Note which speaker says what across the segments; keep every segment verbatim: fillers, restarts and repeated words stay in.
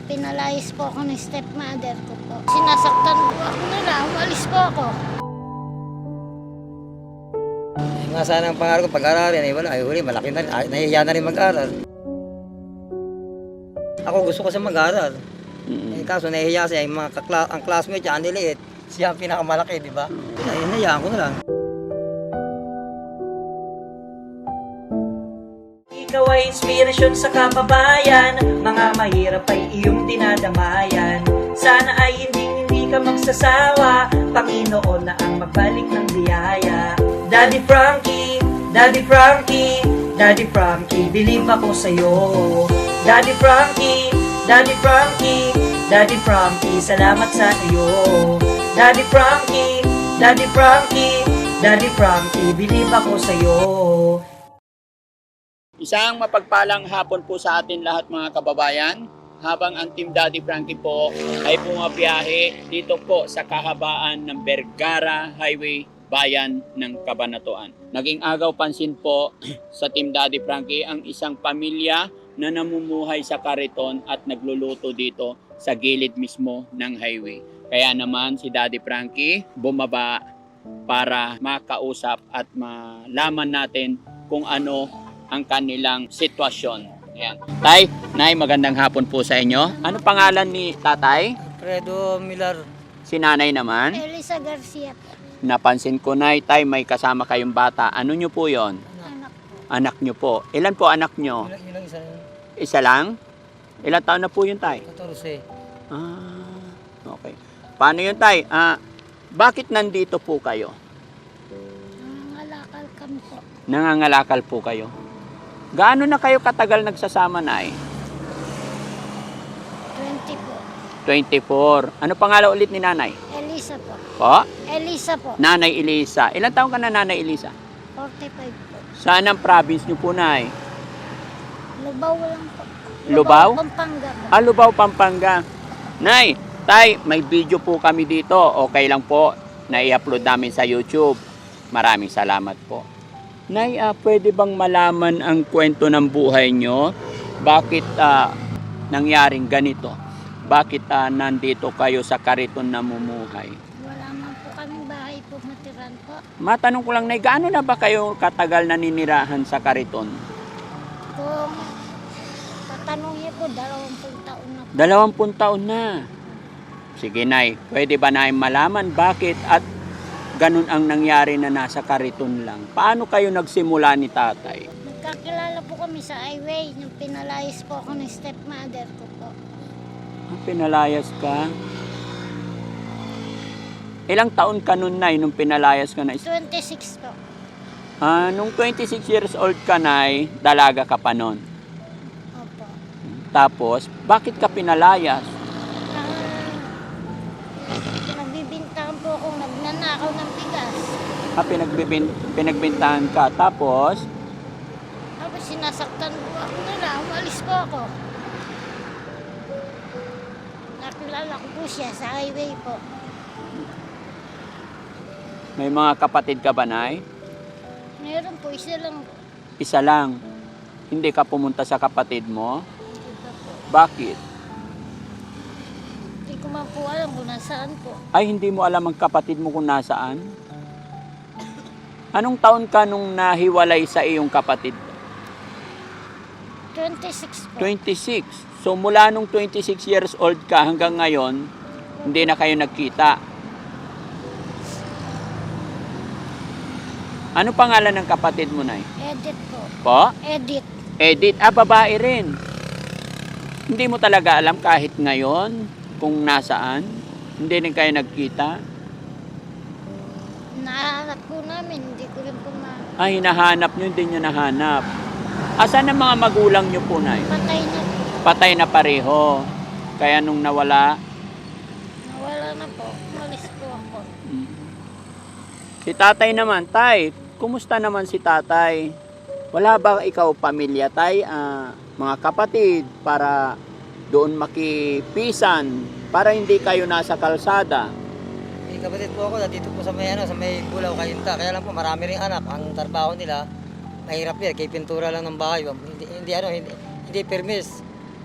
Speaker 1: Pinalayas po ako ng stepmother ko po. Sinasaktan po ako nila, umalis po ako.
Speaker 2: Eh, nga sana ang pangarap ko pag-aralin, eh wala, ay huli, malaki na rin, ay, nahihiya na rin mag-aral. Ako gusto ko sa mag-aral.
Speaker 3: Mm-mm.
Speaker 2: Eh, kaso nahihiya siya, yung mga kakla- ang classmate niya, ang liliit, siya ang pinakamalaki, di ba? Ay, nahihiyaan ko na lang.
Speaker 4: Ikaw ay inspirasyon sa kababayan, mga mahirap ay iyong dinadamayan. Sana ay hindi hindi ka magsasawa, Panginoon na ang magbalik ng biyaya. Daddy Frankie, Daddy Frankie, Daddy Frankie, believe ako sa'yo. Daddy Frankie, Daddy Frankie, Daddy Frankie, salamat sa iyo. Daddy Frankie, Daddy Frankie, Daddy Frankie, believe ako sa'yo.
Speaker 3: Isang mapagpalang hapon po sa atin lahat mga kababayan, habang ang Team Daddy Frankie po ay bumabiyahe dito po sa kahabaan ng Vergara Highway, bayan ng Cabanatuan. Naging agaw pansin po sa Team Daddy Frankie ang isang pamilya na namumuhay sa kariton at nagluluto dito sa gilid mismo ng highway. Kaya naman si Daddy Frankie bumaba para makausap at malaman natin kung ano ang kanilang sitwasyon. Ayan. Tay, Nay, magandang hapon po sa inyo. Ano pangalan ni tatay?
Speaker 2: Alfredo Millar,
Speaker 3: Si nanay naman?
Speaker 1: Elisa Garcia po,
Speaker 3: Napansin ko, Nay, tay, may kasama kayong bata. Ano nyo po yon?
Speaker 1: anak po.
Speaker 3: Anak nyo po. Ilan po anak nyo?
Speaker 2: yun, yun lang isa,
Speaker 3: Isa lang? Ilan taon na po yun, tay?
Speaker 2: katorse.
Speaker 3: Ah, okay. Paano yun, tay? Ah, bakit nandito po kayo?
Speaker 1: Nangangalakal kami po.
Speaker 3: Nangangalakal po kayo? Gaano na kayo katagal nagsasama, Nay?
Speaker 1: twenty po.
Speaker 3: twenty-four. Ano pangalan ulit ni nanay?
Speaker 1: Elisa po.
Speaker 3: Po?
Speaker 1: Elisa po.
Speaker 3: Nanay Elisa. Ilan taon ka na, Nanay Elisa?
Speaker 1: forty-five po.
Speaker 3: Saan ang province nyo po, Nay?
Speaker 1: Lubaw lang po.
Speaker 3: Lubaw?
Speaker 1: Pampanga po.
Speaker 3: Ah, Lubao, Pampanga. Nay, tay, may video po kami dito. Okay lang po na i-upload namin sa YouTube. Maraming salamat po. Nay, ah, pwede bang malaman ang kwento ng buhay nyo? Bakit ah, nangyaring ganito? Bakit ah, nandito kayo sa kariton namumuhay?
Speaker 1: Wala man po kaming bahay po matiran po.
Speaker 3: Matanong ko lang, Nay, gaano na ba kayo katagal naninirahan sa kariton?
Speaker 1: Kung tatanungin ko, dalawampung taon na po.
Speaker 3: Dalawampung taon na. Sige, Nay, pwede ba namin malaman bakit at ganun ang nangyari na nasa kariton lang? Paano kayo nagsimula ni tatay?
Speaker 1: Nagkakilala po kami sa highway nung pinalayas po ako ng stepmother ko po.
Speaker 3: Ah, pinalayas ka? Ilang taon ka nun, Nay, nung pinalayas ka na?
Speaker 1: twenty-six po.
Speaker 3: Ah, nung twenty-six years old ka, Nay, dalaga ka pa nun.
Speaker 1: Opo.
Speaker 3: Tapos, bakit ka pinalayas?
Speaker 1: Ah, nagbibintahan po akong nagnanakaw ng bigas.
Speaker 3: Ah, pinagbibin, pinagbintahan ka. Tapos,
Speaker 1: Tapos sinasaktan po ako nila, umalis po ako. Nakilala ko po siya sa highway po.
Speaker 3: may mga kapatid ka ba, Nay?
Speaker 1: Meron po, isa lang po.
Speaker 3: Isa lang. Hindi ka pumunta sa kapatid mo?
Speaker 1: Iba po.
Speaker 3: Bakit?
Speaker 1: Hindi ko man po alam kung nasaan po.
Speaker 3: Ay, hindi mo alam ang kapatid mo kung nasaan? Anong taon ka nung nahiwalay sa iyong kapatid?
Speaker 1: twenty-six po.
Speaker 3: twenty-six. So mula nung twenty-six years old ka hanggang ngayon, hindi na kayo nagkita. Ano pangalan ng kapatid mo, Nay?
Speaker 1: Edit po.
Speaker 3: Po?
Speaker 1: Edit.
Speaker 3: Edith. Ah, babae rin. Hindi mo talaga alam kahit ngayon kung nasaan? Hindi rin kayo nagkita?
Speaker 1: Nahanap po namin, hindi ko rin po ma...
Speaker 3: Ah, hinahanap nyo, hindi nyo nahanap. Asan ang mga magulang nyo po, Nay?
Speaker 1: Patay na po.
Speaker 3: Patay na pareho. Kaya nung nawala,
Speaker 1: Nawala na po. Umalis po ako.
Speaker 3: si tatay naman, Tay, kumusta naman si tatay? Wala ba ikaw pamilya, Tay? Ah, mga kapatid, para doon makipisan, para hindi kayo nasa kalsada?
Speaker 2: May kapatid po ako, dito po sa may, ano, sa may Bulaw, Kayunta. Kaya lang po, marami ring anak. Ang trabaho nila, mahirap yan. Kay pintura lang ng bahay. Hindi, hindi ano, hindi, hindi permis.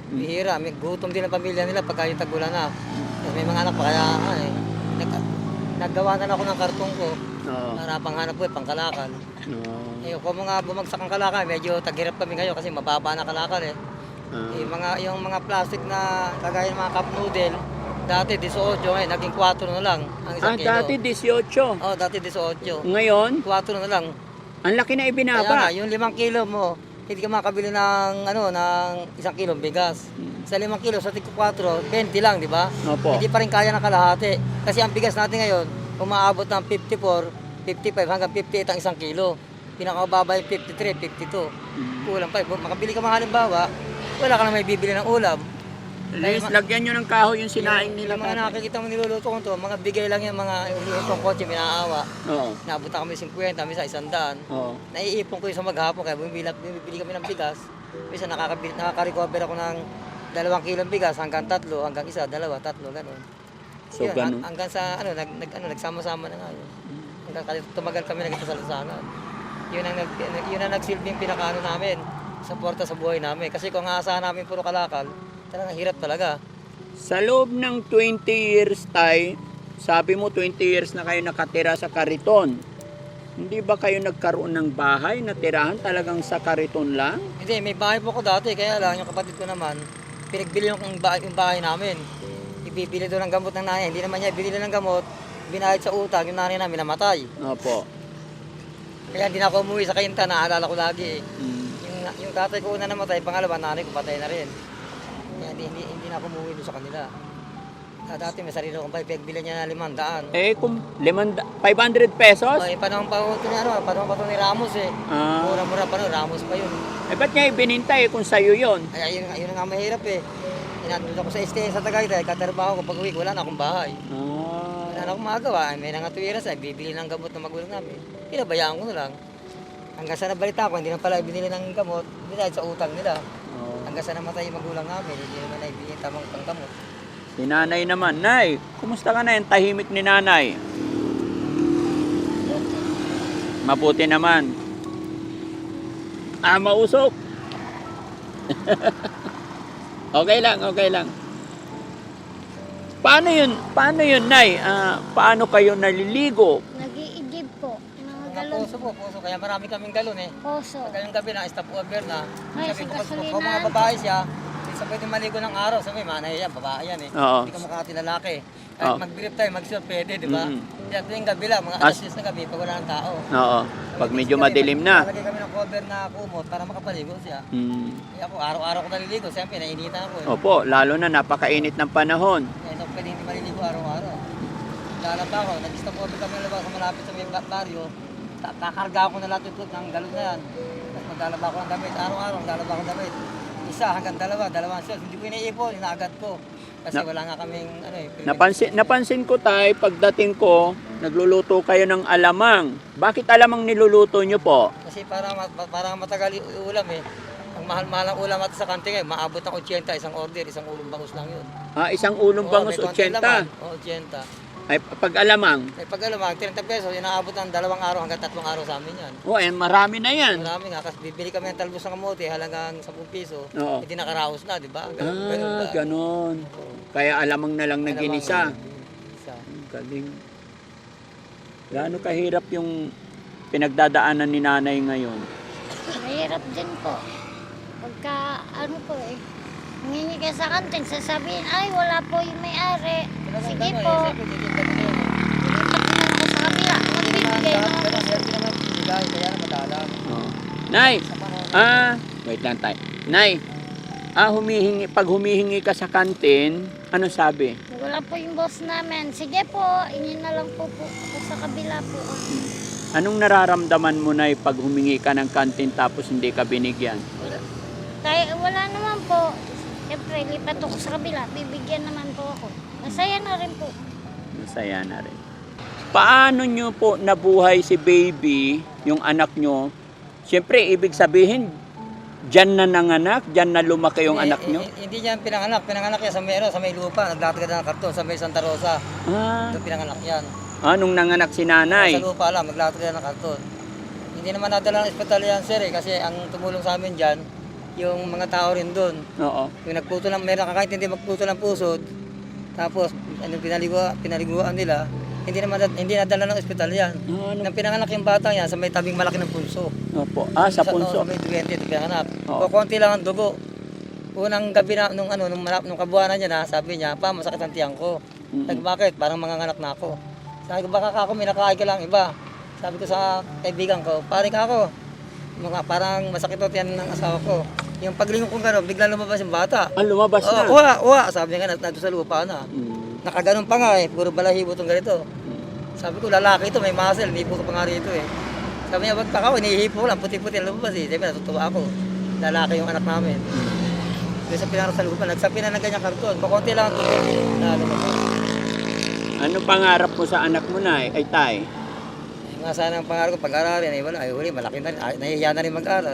Speaker 2: Bihira, may gutom din ang pamilya nila pagka yung tagulan na. Kasi may mga anak pa kaya ano eh. Nag, naggawa na ako ng kartong ko.
Speaker 3: Oo.
Speaker 2: Para panghanap ko eh, pangkalakal.
Speaker 3: Oo.
Speaker 2: Eh, kung mga bumagsak ang kalakal, medyo taghirap kami ngayon kasi mababa na kalakal eh.
Speaker 3: Ah.
Speaker 2: Eh, mga, yung mga plastic na kagaya ng mga cup noodle, dati eighteen ngayon, naging four na lang ang isang
Speaker 3: Ah,
Speaker 2: kilo.
Speaker 3: dati eighteen.
Speaker 2: Oh, dati eighteen.
Speaker 3: Ngayon,
Speaker 2: four na lang.
Speaker 3: ang laki na
Speaker 2: Kaya nga,
Speaker 3: ibinaba.
Speaker 2: yung limang kilo mo, hindi ka makabili ng, ano, ng isang kilong bigas. Sa limang kilo, sa tigko four, twenty lang, di ba?
Speaker 3: Opo.
Speaker 2: Hindi pa rin kaya ng kalahati. Kasi ang bigas natin ngayon, umaabot ng fifty-four, fifty-five hanggang fifty-eight ang isang kilo. Pinakamababa yung fifty-three, fifty-two. Kulang pa. Kung makabili ka mga halimbawa, wala ka na may bibili ng ulam.
Speaker 3: Liz, lagyan nyo ng kahoy yung sinaing nila.
Speaker 2: Yung mga
Speaker 3: tatay.
Speaker 2: nakikita mo niluluto ko to, mga bigay lang yung mga ulutong kotse, minaawa.
Speaker 3: Oo.
Speaker 2: Naabot na kami fifty, minsan isang daan.
Speaker 3: Oo.
Speaker 2: Naiipon ko yung sa maghapon kaya bumibili, bumibili kami ng bigas. Minsan nakakabili, nakaka-recover ako ng dalawang kilong bigas hanggang tatlo, hanggang isa, dalawa, tatlo, gano'n.
Speaker 3: So,
Speaker 2: Yun,
Speaker 3: ganun.
Speaker 2: hang- hanggang sa ano, nag, nag, ano, nagsama-sama na nga yun. Hanggang kali- tumagal kami nagkita sa Lusanan. Yun ang, nag, yun ang nagsilbing pinakaano namin, suporta sa buhay namin. Kasi kung aasahan namin puro kalakal, talagang hirap talaga.
Speaker 3: Sa loob ng twenty years, tay, sabi mo twenty years na kayo nakatira sa Kariton. Hindi ba kayo nagkaroon ng bahay na tirahan talagang sa Kariton lang?
Speaker 2: Hindi, may bahay po ko dati, kaya lang yung kapatid ko naman, pinagbili yung bahay, yung bahay namin. Ibibili doon ng gamot ng nanay, hindi naman niya binili ng gamot, binayad sa utang, yung nanay namin namatay.
Speaker 3: Opo.
Speaker 2: Kaya hindi na ako umuwi sa Kainta, naalala ko lagi eh.
Speaker 3: Mm.
Speaker 2: Yung, yung tatay ko una namatay, pangalawa, nanay ko patay na rin. Kaya hindi, hindi, hindi na ako umuwi doon sa kanila. Ah, dati may sarili akong bahay, pinagbili niya na limang daan.
Speaker 3: Eh, kung limanda, five hundred pesos?
Speaker 2: Ay, panahon pa ito ni, ano, panahon pa ito ni Ramos eh.
Speaker 3: Ah.
Speaker 2: Mura-mura pa nun, Ramos pa yun.
Speaker 3: Eh, ba't niya ibininta eh kung sa'yo yun?
Speaker 2: Ay, ayun, ayun nga mahirap eh. Inandun ako sa stay sa Tagaytay, katrabaho ko, pag uwi ko, wala na akong bahay.
Speaker 3: Ah.
Speaker 2: Wala na akong magawa, may nangatuwiran sa, bibili ng gamot ng magulang namin. Pinabayaan ko na lang. Hanggang sa nabalita ko, hindi na pala binili ng gamot, binayad sa utang nila.
Speaker 3: Oh.
Speaker 2: Hanggang sa namatay yung magulang namin, hindi naman na ibigay tamang panggamot.
Speaker 3: Si nanay naman. Nay, kumusta ka na yung tahimik ni nanay? Mabuti naman. Ah, mausok. Okay lang, okay lang. Paano yun? Paano yun, Nay? Ah, paano kayo naliligo?
Speaker 1: Nag-iigib po. Mga
Speaker 2: Mga
Speaker 1: galon.
Speaker 2: puso po, puso, kaya marami kaming galon eh.
Speaker 1: Poso.
Speaker 2: Pag ngayong gabi na, stop over na.
Speaker 1: Ay,
Speaker 2: Sabi ko,
Speaker 1: sa
Speaker 2: pag
Speaker 1: gasolina.
Speaker 2: kung mga babae siya, hindi siya pwede maligo ng araw. Sabi, manay yan, babae yan eh.
Speaker 3: Oo.
Speaker 2: Hindi ka makakati lalaki. Kahit
Speaker 3: Oo.
Speaker 2: mag-grip tayo, mag-surf pwede, di ba?
Speaker 3: Mhm.
Speaker 2: Kaya tuwing gabi lang, mga
Speaker 3: As-
Speaker 2: alas diyes na gabi, pag wala ng tao.
Speaker 3: Oo. Pag medyo madilim na.
Speaker 2: Nalagay kami ng cover na kumot para makapaligo siya.
Speaker 3: Hmm.
Speaker 2: Kaya ako, araw-araw ko naliligo. Siyempre, nainitan ako eh.
Speaker 3: Opo, lalo na napakainit ng panahon.
Speaker 2: Kaya ito pwede hindi maliligo araw-araw. Lalaba ako, nag-stop over kami ng labas sa malapit sa may ba- baryo. Ta- Kakarga ako na lahat yung ng galon na yan. Tapos maglalaba ako ng damit. Araw-araw, maglalaba ako ng damit. Isa hanggang dalawa, dalawang shot. Hindi ko iniipon, inaagad ko. Kasi
Speaker 3: Na-
Speaker 2: wala nga kaming ano eh.
Speaker 3: Napansin, napansin ko tay, pagdating ko, nagluluto kayo ng alamang. Bakit alamang niluluto nyo po?
Speaker 2: Kasi para, ma- para matagal yung ulam eh. Ang mahal-mahal ang ulam at sa kanting eh. Maabot ng eighty, isang order, isang ulong bangus lang yun.
Speaker 3: Ah, isang ulong
Speaker 2: Oo,
Speaker 3: bangus
Speaker 2: may konting
Speaker 3: eighty.
Speaker 2: laman. Oo, eighty.
Speaker 3: Ay, pag alamang.
Speaker 2: Eh, pag alam, thirty pesos, inaabot ng dalawang araw hanggang tatlong araw sa amin yan.
Speaker 3: Oh, eh, marami na yan.
Speaker 2: Marami nga, kasi bibili kami ng talbos ng kamote halagang ten piso.
Speaker 3: Oo.
Speaker 2: Hindi nakaraos na, di ba? Ganun, ganun
Speaker 3: Ah,
Speaker 2: ba?
Speaker 3: ganon. Kaya alamang na lang
Speaker 2: Alamang
Speaker 3: naginisa.
Speaker 2: Isa.
Speaker 3: Galing. Gaano kahirap yung pinagdadaanan ni nanay ngayon?
Speaker 1: Mahirap din po. Pagka, ano po eh, nangingi ka sa kantin, sasabihin, ay wala po yung may-ari. Sige
Speaker 2: Ano,
Speaker 1: po.
Speaker 2: eh, siyempre, titinda ko yun.
Speaker 1: Dilipat din ako sa kabila. Magbibigay
Speaker 2: Ganun,
Speaker 1: naman
Speaker 2: ganun,
Speaker 1: po.
Speaker 2: siyempre naman bibigay, kaya na madalang.
Speaker 3: Oh. Nay,
Speaker 2: Sa panahon,
Speaker 3: ah, wait lang tayo. Nay, ah, humihingi, pag humihingi ka sa kantin, ano sabi?
Speaker 1: Wala po yung boss namin. Sige po, ingin na lang po po ako sa kabila po.
Speaker 3: Anong nararamdaman mo, Nay, pag humingi ka ng kantin tapos hindi ka binigyan?
Speaker 1: Wala, kaya, wala naman po. Siyempre, lipat ako sa kabila. Bibigyan naman po ako. Masaya na rin po.
Speaker 3: Masaya na rin. Paano nyo po nabuhay si baby, yung anak nyo? Siyempre, ibig sabihin, dyan na nanganak, dyan na lumaki yung
Speaker 2: eh,
Speaker 3: anak nyo?
Speaker 2: eh, Hindi niyan pinanganak. Pinanganak yan sa may, ano, sa may lupa. Naglatagad ng karton sa may Santa Rosa.
Speaker 3: Ah,
Speaker 2: Doon pinanganak yan.
Speaker 3: ah, nung nanganak si nanay.
Speaker 2: Sa lupa lang, maglatagad ng karton. Hindi naman nadala ng ospital yan, sir, eh, kasi ang tumulong sa amin dyan, yung mga tao rin doon.
Speaker 3: Oo.
Speaker 2: Yung nagputo ng, meron kakaintindi magputo ng pusod, tapos ano, pinaliguan, pinaliguan nila, hindi naman hindi nadala ng ospital yan.
Speaker 3: Ah, ano?
Speaker 2: Nang pinanganak yung bata yan, sa may tabing malaki ng punso.
Speaker 3: Opo. Ah, sa punso.
Speaker 2: Sa may twenty ito pinanganak.
Speaker 3: Oo.
Speaker 2: O konti lang ang dugo. Unang gabi na, nung, ano, nung, malap- nung kabuhanan niya na, sabi niya, pa, masakit ang tiyang ko.
Speaker 3: Mm-mm.
Speaker 2: Sabi, bakit? Parang manganganak na ako. Sabi ko, baka ako, minakain ka lang iba. Sabi ko sa kaibigan ko, pare ka ako. Mga, parang masakit ang tiyan ng asawa ko. Yung paglingon kong gano'n, biglang lumabas yung bata.
Speaker 3: Ah, lumabas na.
Speaker 2: Oo, uwa, uwa. Sabi niya nga, nandun sa lupa na.
Speaker 3: Mm.
Speaker 2: Nakaganon pa nga eh, puro balahibo itong ganito. Sabi ko, lalaki ito, may muscle, nipo ko pa nga rito eh. Sabi niya, wag pa ako, inihipo ko lang, puti-puti ang lumabas eh. Sabi, natutuwa ako. Lalaki yung anak namin. Doon sa pinarap sa lupa, nagsapi na ng ganyang karton. Kukunti lang ang tubo. Na lumabas.
Speaker 3: Ano pangarap mo sa anak mo, Nay? Ay, Tay?
Speaker 2: Yung nga sana ang pangarap ko, pag-aralin, ay wala, ay huli, malaki na rin, ay, nahihiya na rin mag-aral.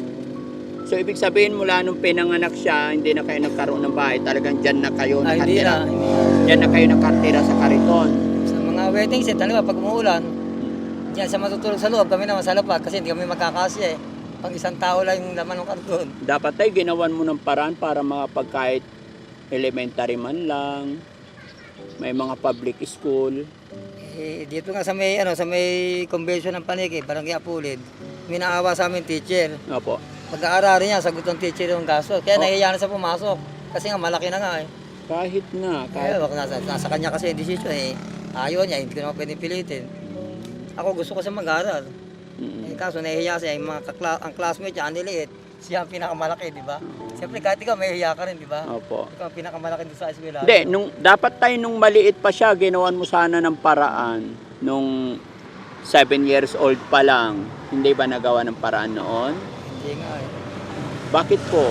Speaker 3: So, ibig sabihin mula nung pinanganak siya, hindi na kayo nagkaroon ng bahay. Talagang dyan na kayo
Speaker 2: Ay, hindi
Speaker 3: nakatira.
Speaker 2: na, hindi na.
Speaker 3: Dyan na kayo nakatira sa kariton.
Speaker 2: Sa mga wedding set, talaga, pag umuulan, diyan sa matutulog sa loob, kami naman sa lapag, kasi hindi kami magkakasya eh. Pang isang tao lang yung laman ng karton.
Speaker 3: Dapat tayo ginawan mo ng paraan para makapag kahit elementary man lang, may mga public school.
Speaker 2: Eh, dito nga sa may, ano, sa may convention ng Paniki, Barangay Apulid, may naawa sa amin teacher.
Speaker 3: Opo.
Speaker 2: Pag-aarari niya, sagot ng teacher yung gasto. Kaya
Speaker 3: Oh.
Speaker 2: nahihiya na siya pumasok. Kasi nga malaki na nga eh.
Speaker 3: Kahit na,
Speaker 2: Kaya
Speaker 3: kahit...
Speaker 2: wag nasa, nasa kanya kasi yung decision eh. Ayaw niya, hindi ko naman pwedeng pilitin. Ako gusto ko siya mag-aaral.
Speaker 3: Mm.
Speaker 2: Eh, kaso nahihiya siya, yung mga kakla- ang classmate niya, ang liliit. Siya ang pinakamalaki, di ba? Siyempre kahit ikaw, mahihiya ka rin, di ba?
Speaker 3: Opo.
Speaker 2: Ikaw ang pinakamalaki doon sa eskwela.
Speaker 3: Hindi, nung, dapat tayo nung maliit pa siya, ginawan mo sana ng paraan. Nung seven years old pa lang, hindi ba nagawa ng paraan noon?
Speaker 2: Hindi nga eh.
Speaker 3: Bakit po?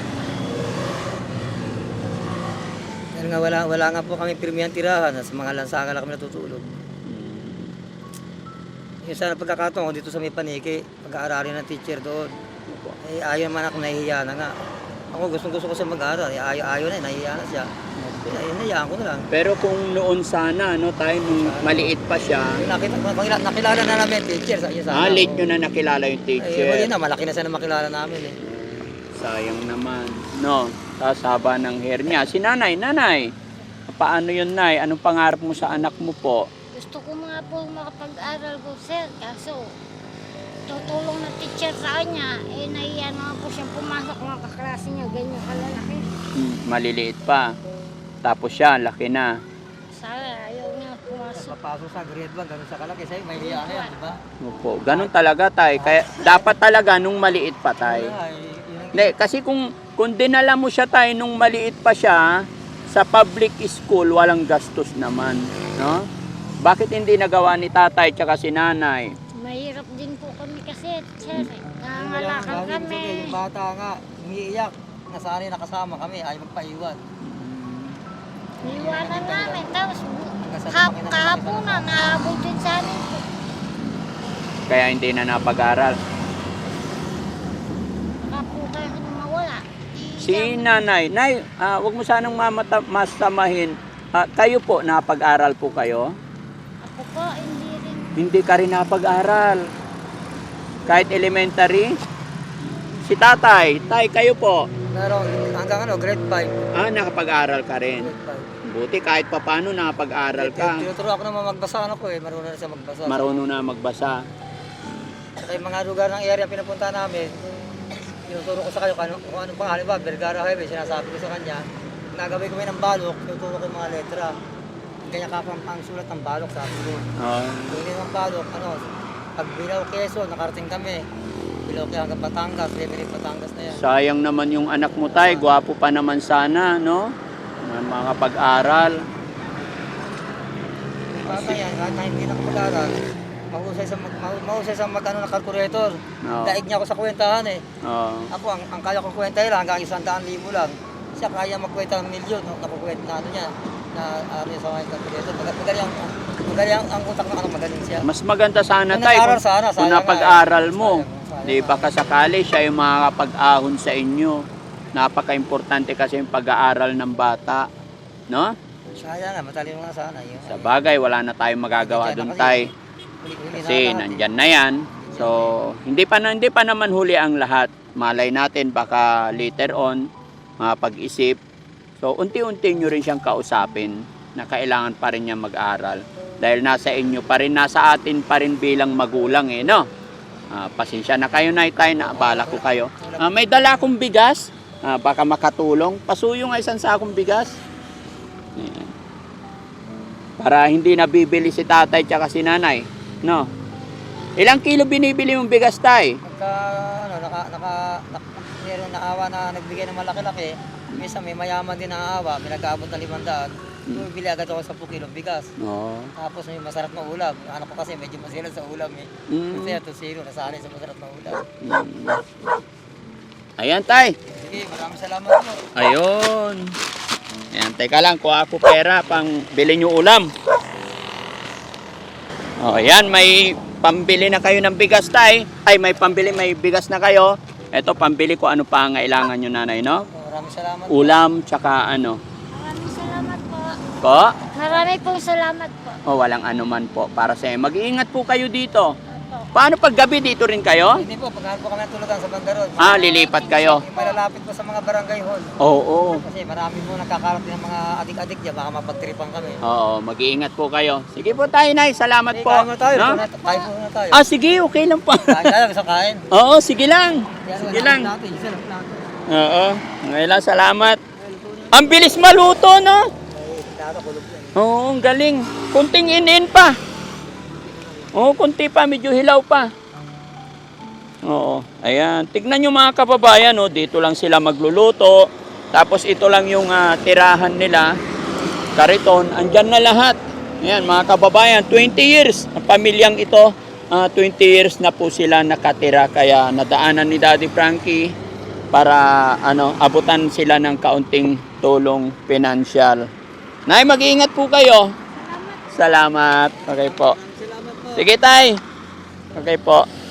Speaker 2: Dahil nga wala, wala nga po kami pirmihang tirahan. Sa mga lansangan lang kami natutulog.
Speaker 3: Mm.
Speaker 2: Yung sana pagkakataon ko dito sa may Paniki, pag-aaralin ng teacher doon.
Speaker 3: Opo.
Speaker 2: Eh, ayaw naman ako, nahihiya na nga. Ako gustong gusto ko siya mag-aaral. Eh, ayaw, ayaw na, eh, nahihiya na siya. Eh, nahihiyaan ko na lang.
Speaker 3: Pero kung noon sana, no, tayo nung maliit pa siya,
Speaker 2: Yung nakita, nakilala, nakilala na namin yung teacher sa iyo sana.
Speaker 3: ah, late nyo na nakilala yung
Speaker 2: Eh,
Speaker 3: teacher.
Speaker 2: huli na, malaki na siya na makilala namin eh.
Speaker 3: Sayang naman. No, tapos haba ng hair niya. Si nanay, nanay, paano yun, nay? Anong pangarap mo sa anak mo po?
Speaker 1: Gusto ko mga po makapag-aral ko, sir. Kaso, tutulong na teacher sa kanya. Eh, nahiya naman po siyang pumasok mga kaklase niya. Ganyan kalalaki.
Speaker 3: Hmm, maliliit pa. Tapos siya, laki na.
Speaker 1: Sana ayaw niya pumasok.
Speaker 2: Papasok sa grade one, ganun sa kalaki sa'yo, may hiya na yan, di ba?
Speaker 3: Opo, ganun talaga, tay. Kaya dapat talaga nung maliit pa, tay.
Speaker 2: Wala, eh, yun ang-
Speaker 3: Hindi, kasi kung, kung dinala mo siya, tay, nung maliit pa siya, sa public school, walang gastos naman. No? Bakit hindi nagawa ni tatay tsaka si nanay?
Speaker 1: Mahirap din po kami kasi, sir.
Speaker 2: Yung
Speaker 1: Nangangalakal
Speaker 2: wala-
Speaker 1: kami.
Speaker 2: Yung bata nga, umiiyak, nasanay nakasama kami, ay magpaiwan.
Speaker 1: Niwanan namin. Tapos,
Speaker 2: Hanggang sa
Speaker 1: hap,
Speaker 2: lumaki na-
Speaker 1: kahaponan, nahabol din sa amin po.
Speaker 3: Kaya hindi na napag-aral.
Speaker 1: Baka po kayo mawala.
Speaker 3: Si nanay, nay, ah, wag mo sanang mamata, masamahin. Ah, kayo po, napag-aral po kayo?
Speaker 1: Ako po, hindi rin.
Speaker 3: Hindi ka rin napag-aral. Kahit elementary? Si tatay, tay, kayo po.
Speaker 2: Meron, hanggang ano, grade five.
Speaker 3: Ah, nakapag-aral ka rin.
Speaker 2: Grade five.
Speaker 3: Buti kahit papano nakapag-aral ka.
Speaker 2: Tinuturo ako naman magbasa ano ko eh, marunong na siya magbasa.
Speaker 3: Marunong na magbasa.
Speaker 2: Saka yung mga lugar ng area pinupunta namin, tinuturo ko sa kayo kung ano, kung anong pangalan ba, Vergara Highway, sinasabi ko sa kanya, nagagawin kami ng balok, tinuturo ko yung mga letra. Kanya kapang ang sulat ng balok, sabi ko.
Speaker 3: Ah,
Speaker 2: Kung hindi ng balok, ano, pag Bilaw Quezon, nakarating kami. Bilaw Quezon hanggang Batangas, Lemery Batangas na yan.
Speaker 3: sayang naman yung anak mo, tay. Gwapo pa naman sana, no? Na makapag-aral.
Speaker 2: Yung bata yan, kahit na hindi nakapag-aral, mahusay sa, mag, mahu- mahusay sa mag, ano, na calculator.
Speaker 3: Oo.
Speaker 2: Daig niya ako sa kwentahan eh.
Speaker 3: Oo.
Speaker 2: Ako, ang, ang kaya kong kwenta lang hanggang isang daan libo lang. Siya kaya magkwenta ng milyon, no? Nakukwenta na ano niya, na ano sa mga calculator. Mag- Magaling ang, magaling ang, ang utak ng ano, magaling siya.
Speaker 3: Mas maganda sana,
Speaker 2: Kung
Speaker 3: tay,
Speaker 2: nag-aral
Speaker 3: kung,
Speaker 2: sana,
Speaker 3: kung
Speaker 2: sayang
Speaker 3: napag-aral
Speaker 2: nga eh.
Speaker 3: mo.
Speaker 2: Sayang, sayang
Speaker 3: Di baka sakali siya yung makakapag-ahon sa inyo. Napaka-importante kasi yung pag-aaral ng bata. No?
Speaker 2: Sayang nga, matalino nga sana. Yun.
Speaker 3: Sa bagay, wala na tayong magagawa
Speaker 2: Nandiyan
Speaker 3: doon,
Speaker 2: na
Speaker 3: tay.
Speaker 2: Huli-huli na
Speaker 3: Kasi
Speaker 2: lahat eh.
Speaker 3: nandyan na yan. So, hindi pa, na- hindi pa naman huli ang lahat. malay natin baka later on mapag-isip. So unti-unti nyo rin siyang kausapin na kailangan pa rin niya mag-aral. Dahil nasa inyo pa rin, nasa atin pa rin bilang magulang eh, no? Ah, pasensya na kayo, Nay, tayo, naabala ko kayo. Ah, may dala akong bigas, ah, baka makatulong. Pasuyo nga isang sakong bigas. Ayan. Para hindi nabibili si tatay tsaka si nanay, no? Ilang kilo binibili mong bigas, tay?
Speaker 2: Pagka, ano, naka, naka, naka, meron naawa na nagbigay ng malaki-laki, minsan may mayaman din na aawa, may nag-aabot na limandaan, bumibili agad ako sa ten kilong bigas.
Speaker 3: Oo.
Speaker 2: Tapos may masarap na ulam. Yung anak ko kasi medyo masilan sa ulam eh.
Speaker 3: Mm.
Speaker 2: Kasi ito zero, nasanay sa masarap na ulam.
Speaker 3: Ayan, tay.
Speaker 2: Sige, maraming salamat po.
Speaker 3: Ayun. Ayan, teka lang, kuha ako pera pang bili nyo ulam. O, ayan, may pambili na kayo ng bigas, tay. Ay, may pambili, may bigas na kayo. Ito, pambili ko ano pa ang kailangan nyo, nanay, no?
Speaker 2: Maraming salamat.
Speaker 3: Ulam, tsaka ano.
Speaker 1: Maraming salamat po.
Speaker 3: Po?
Speaker 1: Marami pong salamat po.
Speaker 3: O, walang anuman po. Para sa mag-iingat po kayo dito.
Speaker 1: Opo.
Speaker 3: Paano pag gabi dito rin kayo?
Speaker 2: Hindi po, pagkahan po kami ng tulugan sa Bandaron.
Speaker 3: Ah, lilipat kayo.
Speaker 2: Yung malalapit po sa mga barangay hall.
Speaker 3: Oo.
Speaker 2: Kasi marami po nakakalat din ng mga adik-adik dyan, baka mapagtripan kami.
Speaker 3: Oo, mag-iingat po kayo. Sige po tayo, Nay. Salamat
Speaker 2: Sige,
Speaker 3: po.
Speaker 2: kain muna tayo.
Speaker 3: No?
Speaker 2: Kain kain po muna tayo.
Speaker 3: Ah, sige. Okay lang po.
Speaker 2: Kain tayo, gusto kain.
Speaker 3: Oo, sige lang. Sige lang.
Speaker 2: Natin, isa lang natin.
Speaker 3: Oo. Ngayon lang, salamat. Ang bilis maluto, no?
Speaker 2: Dito, kulog yan.
Speaker 3: Oo, ang galing. Kunting inin pa. Oo, kunti pa. Medyo hilaw pa. Oo. Ayan. Tignan nyo mga kababayan, no? Dito lang sila magluluto. Tapos ito lang yung ah, tirahan nila. Kariton. Andyan na lahat. Ayan, mga kababayan. twenty years. Ang pamilyang ito, ah, twenty years na po sila nakatira. Kaya nadaanan ni Daddy Frankie para ano, abutan sila ng kaunting tulong pinansyal. Nay, mag-iingat po kayo. Salamat. Okay po.
Speaker 2: Salamat po.
Speaker 3: Sige, tay. Okay po.